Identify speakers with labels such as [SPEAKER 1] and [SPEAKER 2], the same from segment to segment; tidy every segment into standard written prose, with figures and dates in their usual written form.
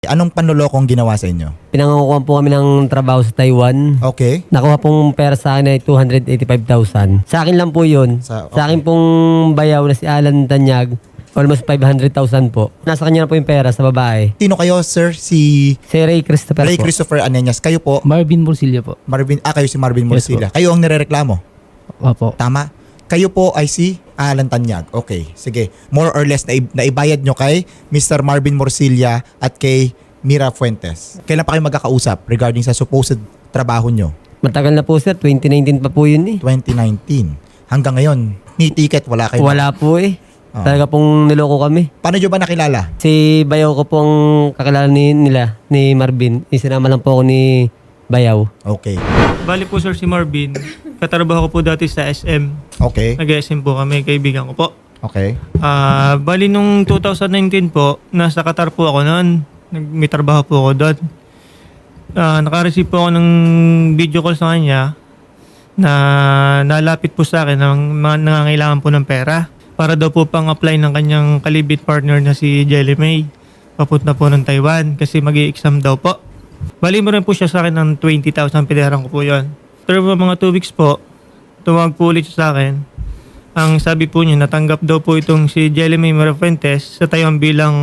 [SPEAKER 1] Anong panlolokong ginawa sa inyo?
[SPEAKER 2] Pinangakuha po kami ng trabaho sa Taiwan.
[SPEAKER 1] Okay.
[SPEAKER 2] Nakuha pong pera sa akin ay 285,000. Sa akin lang po yun.
[SPEAKER 1] Sa
[SPEAKER 2] Sa akin pong bayaw na si Alan Tanyag, almost 500,000 po. Nasa kanya na po yung pera sa babae.
[SPEAKER 1] Sino kayo, sir? Si
[SPEAKER 2] Si Ray Christopher
[SPEAKER 1] Ray
[SPEAKER 2] po.
[SPEAKER 1] Christopher Anenias. Kayo po,
[SPEAKER 3] Marvin Morcilla po.
[SPEAKER 1] kayo si Marvin
[SPEAKER 3] Yes
[SPEAKER 1] Morcilla. Kayo ang nirereklamo.
[SPEAKER 3] Opo.
[SPEAKER 1] Tama? Kayo po ay si Alan Tanyag. Okay, sige. More or less, naibayad nyo kay Mr. Marvin Morcilla at kay Mira Fuentes. Kailan pa kayo magkakausap regarding sa supposed trabaho nyo?
[SPEAKER 2] Matagal na po sir, 2019 pa po yun eh.
[SPEAKER 1] 2019. Hanggang ngayon, ni ticket, wala kayo.
[SPEAKER 2] Wala po eh.
[SPEAKER 1] Oo.
[SPEAKER 2] Talaga pong niloko kami.
[SPEAKER 1] Paano nyo ba nakilala?
[SPEAKER 2] Si Bayaw ko pong kakilala nila, ni Marvin. Isinama lang po ako ni Bayaw.
[SPEAKER 1] Okay.
[SPEAKER 4] Bali po sir si Marvin, katrabaho ko po dati sa SM.
[SPEAKER 1] Okay.
[SPEAKER 4] Nag-SM po kami, kaibigan ko po.
[SPEAKER 1] Okay.
[SPEAKER 4] Bali nung 2019 po, nasa Qatar po ako noon. May trabaho po ako doon. Naka-receive po ako ng video call sa kanya na nalapit po sa akin ng nangangailangan po ng pera para daw po pang apply ng kanyang kalibit partner na si Jelly May. Papunta po ng Taiwan kasi mag-i-exam daw po. Bali mo rin po siya sa akin ng 20,000, pinayaran ko po yun. Pero mga 2 weeks po, tumawag po ulit siya sa akin. Ang sabi po niya, natanggap daw po itong si Jelly May Fuentes sa Taiwan bilang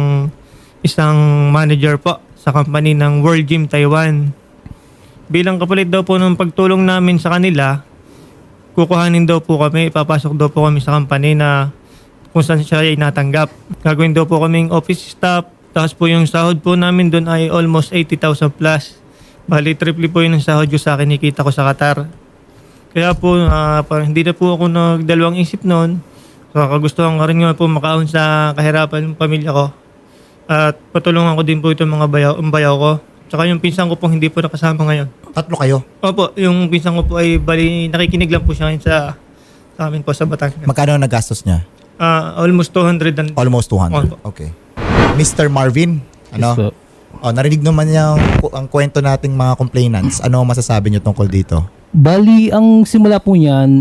[SPEAKER 4] isang manager po sa company ng World Gym Taiwan. Bilang kapalit daw po ng pagtulong namin sa kanila, kukuhanin daw po kami, ipapasok daw po kami sa company na kung saan siya ay natanggap. Gagawin daw po kaming office staff. Tapos po yung sahod po namin doon ay almost 80,000 plus. Bali, triple po yun ang sahod ko sa akin, nakita ko sa Qatar. Kaya po, hindi na po ako nagdalawang isip noon. So, kagustuhan ko rin nga po makaahon sa kahirapan ng pamilya ko. At patulungan ko din po itong mga bayaw ko. Tsaka yung pinsan ko po hindi po nakasama ngayon.
[SPEAKER 1] Tatlo kayo.
[SPEAKER 4] Opo, yung pinsan ko po ay bali, nakikinig lang po siya ngayon sa amin po sa Batangas.
[SPEAKER 1] Magkano ang nagastos niya?
[SPEAKER 4] Almost 200 and...
[SPEAKER 1] Almost 200. Okay. Mr. Marvin, ano?
[SPEAKER 3] Yes po.
[SPEAKER 1] Narinig naman niya ang kwento nating mga complainants. Ano masasabi niyo tungkol dito?
[SPEAKER 3] Bali, ang simula po niyan,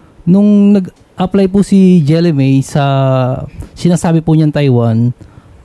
[SPEAKER 3] nung nag-apply po si Jelly May sa sinasabi po niyan Taiwan,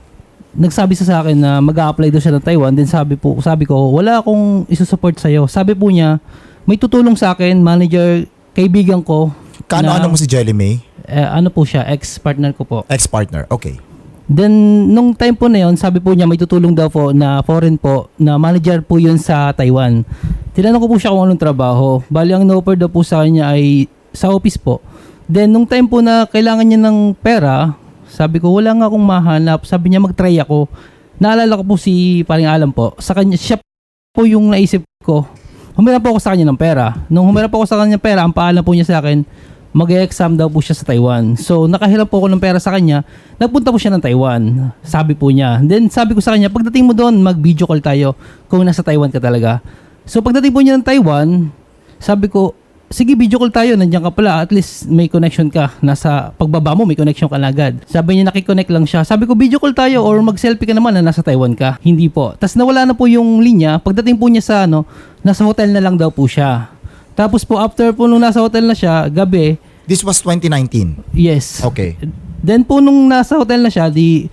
[SPEAKER 3] nagsabi sa akin na mag-a-apply daw siya ng Taiwan. Then sabi ko, wala akong isusupport sa'yo. Sabi po niya, may tutulong sa akin, manager, kaibigan ko.
[SPEAKER 1] Ano mo si Jelly May?
[SPEAKER 3] Ano po siya, ex-partner ko po.
[SPEAKER 1] Ex-partner. Okay.
[SPEAKER 3] Then, nung time po na yun, sabi po niya may tutulong daw po na foreign po, na manager po yun sa Taiwan. Tinanong ko po siya kung anong trabaho. Bali, ang no-offer daw po sa kanya ay sa office po. Then, nung time po na kailangan niya ng pera, sabi ko, wala nga akong mahanap. Sabi niya, mag-try ako. Naalala ko po si Paring Alam po. Sa kanya, siya po yung naisip ko. Humirap po ako sa kanya ng pera. Nung humirap po ako sa kanya ng pera, ang paalam po niya sa akin, mag-exam daw po siya sa Taiwan. So, nakahiram po ako ng pera sa kanya. Nagpunta po siya ng Taiwan. Sabi po niya. Then, sabi ko sa kanya, pagdating mo doon, mag-video call tayo kung nasa Taiwan ka talaga. So, pagdating po niya ng Taiwan, sabi ko, sige, video call tayo. Nandiyan ka pala. At least may connection ka. Nasa pagbaba mo, may connection ka na agad. Sabi niya, nakikonnect lang siya. Sabi ko, video call tayo or mag-selfie ka naman na nasa Taiwan ka. Hindi po. Tapos nawala na po yung linya. Pagdating po niya sa nasa hotel na lang daw po siya. Tapos po, after po nung nasa hotel na siya, gabi,
[SPEAKER 1] This was 2019.
[SPEAKER 3] yes.
[SPEAKER 1] Okay.
[SPEAKER 3] Then po nung nasa hotel na siya,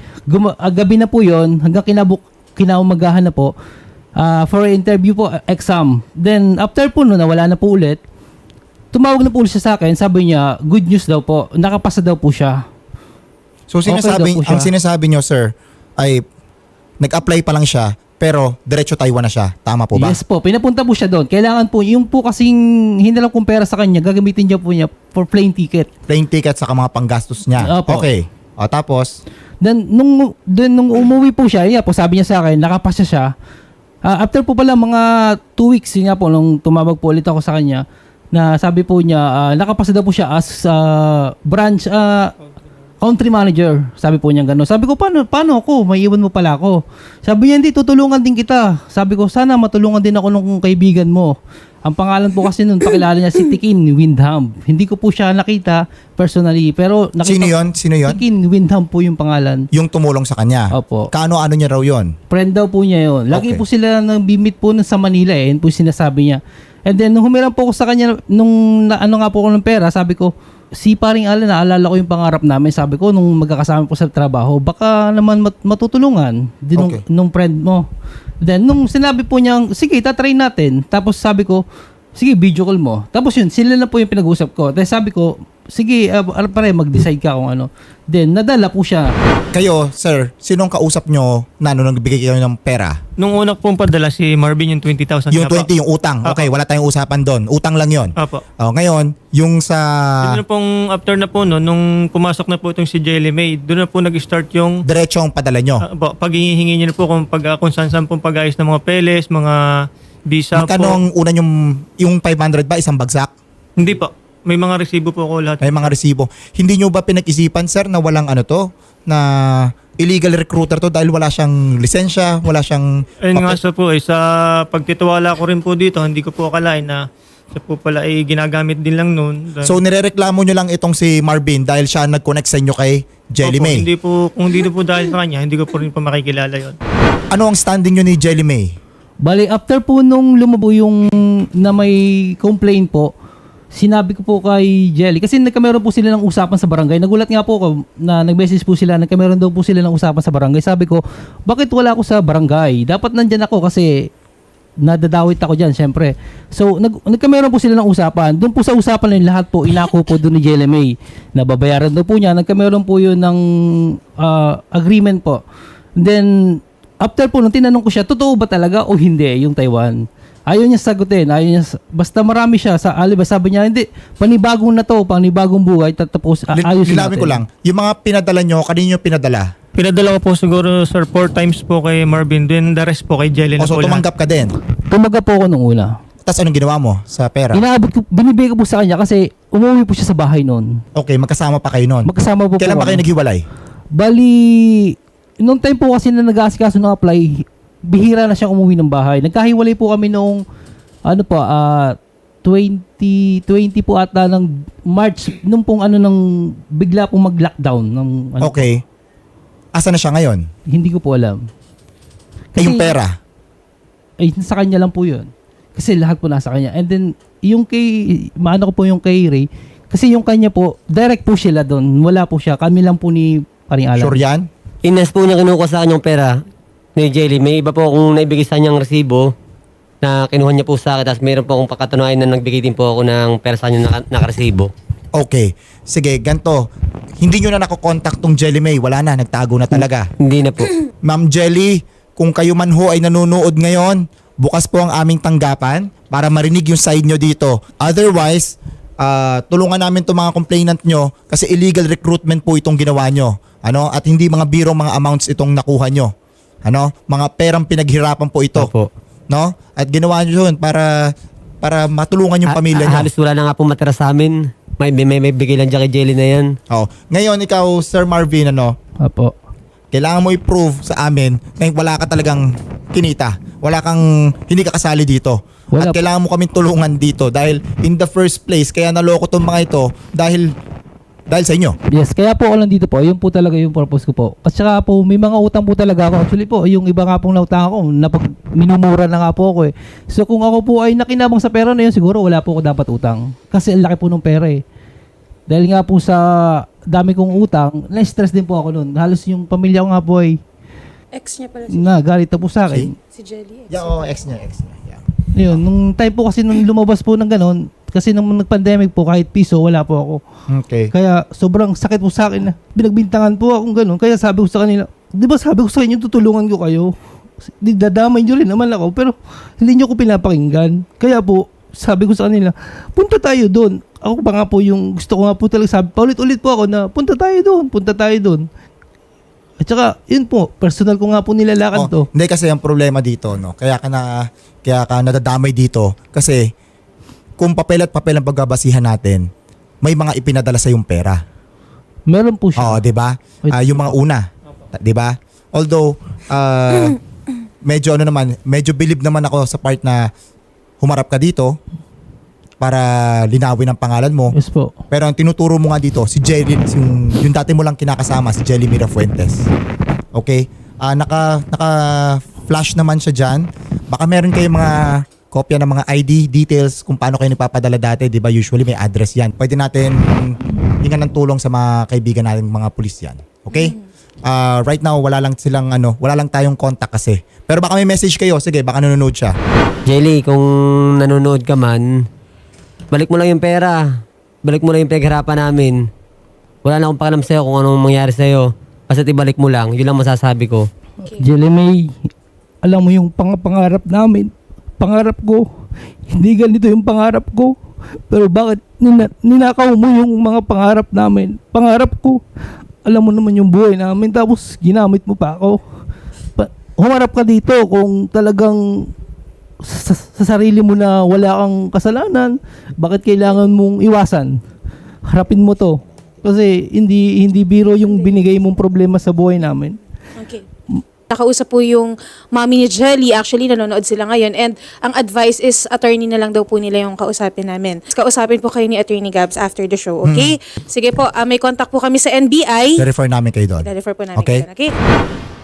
[SPEAKER 3] gabi na po yon hanggang kinaumagahan na po, for interview po, exam. Then after po no, nawala na po ulit, tumawag na po ulit siya sa akin, sabi niya, good news daw po, nakapasa daw po siya.
[SPEAKER 1] So
[SPEAKER 3] Okay daw po siya.
[SPEAKER 1] ang sinasabi niyo, sir, ay nag-apply pa lang siya pero diretso Taiwan na siya. Tama po ba?
[SPEAKER 3] Yes po, pinapunta po siya doon. Kailangan po, yung po kasing hinalang kong pera sa kanya, gagamitin niya po niya for plane ticket.
[SPEAKER 1] Plane ticket sa mga panggastos niya.
[SPEAKER 3] Opo.
[SPEAKER 1] Okay. Tapos,
[SPEAKER 3] Then nung umuwi po siya, po sabi niya sa akin, nakapasa siya. After po pala mga 2 weeks, yun nga po, nung tumawag po ulit ako sa kanya, na sabi po niya, nakapasa daw po siya as branch, country manager. Sabi po niya gano'n. Sabi ko, paano ako? May iwan mo pala ako. Sabi niya, hindi, tutulungan din kita. Sabi ko, sana matulungan din ako nung kaibigan mo. Ang pangalan po kasi nun, pakilala niya si Tikin Windham. Hindi ko po siya nakita personally. Pero nakita,
[SPEAKER 1] sino yon?
[SPEAKER 3] Tikin Windham po yung pangalan.
[SPEAKER 1] Yung tumulong sa kanya.
[SPEAKER 3] Opo.
[SPEAKER 1] Kaano niya raw yon?
[SPEAKER 3] Friend daw po niya yun. Lagi
[SPEAKER 1] Okay.
[SPEAKER 3] po sila nang bimit po sa Manila eh. Yun po sinasabi niya. And then, nung humiram po ako sa kanya, nung ano nga po ako ng pera, sabi ko, si paring Alan, naalala ko yung pangarap namin. Sabi ko, nung magkakasama po sa trabaho, baka naman matutulungan din
[SPEAKER 1] Okay.
[SPEAKER 3] nung friend mo. Then, nung sinabi po niyang, sige, tatry natin. Tapos sabi ko, sige, video call mo. Tapos yun, sila na po yung pinag-usap ko. Tapos sabi ko, sige, pare, mag-decide ka kung ano. Then, nadala po siya.
[SPEAKER 1] Kayo, sir, sinong kausap nyo na nung nagbigay kayo ng pera?
[SPEAKER 4] Nung una pong padala si Marvin yung 20,000
[SPEAKER 1] Yung
[SPEAKER 4] nga po.
[SPEAKER 1] 20, yung utang. Okay, wala tayong usapan doon. Utang lang yon.
[SPEAKER 4] Apo.
[SPEAKER 1] Ngayon, yung sa...
[SPEAKER 4] Doon na pong after na po no, nung pumasok na po itong si Jelly May, doon na po nag-start yung
[SPEAKER 1] Diretsong padala nyo.
[SPEAKER 4] pag hihingi niyo na po kung saan pong pag-ayos ng mga peles, mga visa
[SPEAKER 1] Magkano
[SPEAKER 4] po.
[SPEAKER 1] ang una yung 500 ba? Isang bagsak?
[SPEAKER 4] Hindi po. May mga resibo po ako lahat.
[SPEAKER 1] May mga resibo. Hindi nyo ba pinag-isipan, sir, na walang ano to? Na illegal recruiter to dahil wala siyang lisensya, wala siyang...
[SPEAKER 4] Ayun nga sa po sa pagtitiwala ko rin po dito, hindi ko po akalain na siya po pala ay ginagamit din lang noon.
[SPEAKER 1] So nirereklamo nyo lang itong si Marvin dahil siya nag-connect sa inyo kay Jelly May.
[SPEAKER 4] Hindi po, kung hindi po dahil sa kanya, hindi ko po rin po makikilala yon.
[SPEAKER 1] Ano ang standing nyo ni Jelly May?
[SPEAKER 3] Bali, after po nung lumabo yung na may complaint po, sinabi ko po kay Jelly, kasi nagkameron po sila ng usapan sa barangay. Nagulat nga po ako na nag-message po sila, nagkameron daw po sila ng usapan sa barangay. Sabi ko, bakit wala ako sa barangay? Dapat nandyan ako kasi nadadawit ako dyan, syempre. So, nagkameron po sila ng usapan. Doon po sa usapan na yun, lahat po, inako po doon ni Jelly May. Nababayaran daw po niya. Nagkameron po yun ng agreement po. Then, after po, nung tinanong ko siya, totoo ba talaga o hindi yung Taiwan? Ayaw niya sagutin. Basta marami siya. Sabi niya, hindi, panibagong na to, panibagong buhay, tapos ayusin
[SPEAKER 1] Linawin
[SPEAKER 3] natin.
[SPEAKER 1] ko lang. Yung mga pinadala nyo, kanino nyo pinadala?
[SPEAKER 4] Pinadala ko po siguro sir 4 times po kay Marvin, then the rest po kay Jelly na
[SPEAKER 1] O so
[SPEAKER 4] po lahat.
[SPEAKER 1] tumanggap ka din.
[SPEAKER 3] Tumaga po ako nung una.
[SPEAKER 1] Tapos anong ginawa mo sa pera?
[SPEAKER 3] Inaabot ko, binibigay ko po sa kanya kasi umuwi po siya sa bahay noon.
[SPEAKER 1] Okay, magkasama pa kayo nun.
[SPEAKER 3] Magkasama po
[SPEAKER 1] Kailan
[SPEAKER 3] po
[SPEAKER 1] ba kayo
[SPEAKER 3] kami.
[SPEAKER 1] naghiwalay?
[SPEAKER 3] Bali, nung time po kasi na nag-aasikaso ng apply, bihira na siyang umuwi ng bahay. Nagkahiwalay po kami noong, 2020 po ata ng March, nung pong nang bigla pong mag-lockdown.
[SPEAKER 1] Okay. Asa na siya ngayon?
[SPEAKER 3] Hindi ko po alam.
[SPEAKER 1] Yung pera?
[SPEAKER 3] Ay, sa kanya lang po yun. Kasi lahat po nasa kanya. And then, yung maano ko po yung kay Ray, kasi yung kanya po, direct po sila doon. Wala po siya. Kami lang po ni Paring Alan.
[SPEAKER 1] Sure yan?
[SPEAKER 2] Inas po niya kinuha sa kanyang pera ni Jelly. May iba po akong naibigay sa kanyang resibo na kinuha niya po sa akin. Tapos mayroon po akong pakatunayan na nagbigay din po ako ng pera sa kanyang nakaresibo.
[SPEAKER 1] Okay. Sige, ganito. Hindi nyo na nakokontakt tong Jelly May. Wala na, nagtago na talaga.
[SPEAKER 2] Hindi na po.
[SPEAKER 1] Ma'am Jelly, kung kayo man ho ay nanonood ngayon, bukas po ang aming tanggapan para marinig yung side nyo dito. Otherwise, tulungan namin itong mga complainant nyo kasi illegal recruitment po itong ginawa nyo. At hindi mga birong mga amounts itong nakuha nyo. Mga perang pinaghirapan po ito.
[SPEAKER 2] Opo.
[SPEAKER 1] At ginawa nyo yun para matulungan yung pamilya nyo.
[SPEAKER 2] Halos wala na nga po matira sa amin. May bigay lang dyan kay Jelly na yan.
[SPEAKER 1] Ngayon, ikaw, Sir Marvin,
[SPEAKER 3] Apo.
[SPEAKER 1] kailangan mo i-prove sa amin na wala ka talagang kinita. Hindi ka kasali dito.
[SPEAKER 3] Wala.
[SPEAKER 1] At kailangan mo kaming tulungan dito dahil in the first place, kaya naloko tong mga ito dahil sa inyo.
[SPEAKER 3] Yes, kaya po ako lang dito po. Yun po talaga yung purpose ko po. At saka po, may mga utang po talaga ako. Actually po, yung iba nga pong nautang ako, minumura na nga po ako eh. So kung ako po ay nakinabang sa pera na yun, siguro wala po ako dapat utang. Kasi ang laki po ng pera eh. Dahil nga po sa dami kong utang, na-stress din po ako nun. Halos yung pamilya ko nga po ay
[SPEAKER 5] Ex niya pala
[SPEAKER 3] galit na po sa akin.
[SPEAKER 5] si Jelly.
[SPEAKER 1] Ex niya. Yeah.
[SPEAKER 3] Yun, nung time po kasi nung lumabas po ng ganon, kasi nung nag-pandemic po, kahit piso, wala po ako.
[SPEAKER 1] Okay.
[SPEAKER 3] Kaya sobrang sakit po sa akin na binagbintangan po akong gano'n. Kaya sabi ko sa kanila, di ba sabi ko sa inyo, tutulungan ko kayo. Dadamay nyo rin naman ako, pero hindi nyo ko pinapakinggan. Kaya po, sabi ko sa kanila, punta tayo doon. Ako pa nga po yung gusto ko nga po talaga sabi, paulit-ulit po ako na punta tayo doon. At saka, yun po, personal ko nga po nilalakad to.
[SPEAKER 1] Hindi kasi ang problema dito, kaya ka nadadamay dito kasi kung papel at papel ang pagbabasihan natin, may mga ipinadala sa yung pera.
[SPEAKER 3] Meron po siya.
[SPEAKER 1] 'Di ba? Yung mga una, 'di ba? Although medyo believe naman ako sa part na humarap ka dito para linawin ang pangalan mo.
[SPEAKER 3] Yes po.
[SPEAKER 1] Pero ang tinuturo mo nga dito, si Jelly, yung dati mo lang kinakasama, si Jelly Mirafuentes. Okay? Naka-flash naman siya dyan. Baka meron kayong mga kopya ng mga ID details kung paano kayo nagpapadala dati, 'di ba? Usually may address 'yan. Pwede natin hingan ng tulong sa mga kaibigan nating mga pulis 'yan. Okay? Right now wala lang tayong contact kasi. Pero baka may message kayo. Sige, baka nanonood siya.
[SPEAKER 2] Jelly, kung nanonood ka man, balik mo lang yung pera. Balik mo lang yung pinaghirapan namin. Wala na akong pakialam sa'yo kung anong mangyari sa'yo. Basta ibalik mo lang. Yun lang masasabi ko.
[SPEAKER 3] Jelly May, alam mo yung pangarap namin. Pangarap ko. Hindi ganito yung pangarap ko. Pero bakit ninakaw mo yung mga pangarap namin? Pangarap ko. Alam mo naman yung buhay namin. Tapos ginamit mo pa ako. Humarap ka dito kung talagang sa sarili mo na wala kang kasalanan. Bakit kailangan mong iwasan? Harapin mo to. Kasi hindi biro yung binigay mong problema sa buhay namin.
[SPEAKER 5] Okay. Nakausap po yung mommy ni Jelly. Actually, nanonood sila ngayon. And ang advice is, attorney na lang daw po nila yung kausapin namin. Kausapin po kayo ni Attorney Gabs after the show, okay? Sige po, may contact po kami sa NBI.
[SPEAKER 1] I-refer namin kayo doon.
[SPEAKER 5] I-refer po namin
[SPEAKER 1] Okay?
[SPEAKER 5] kayo doon, okay?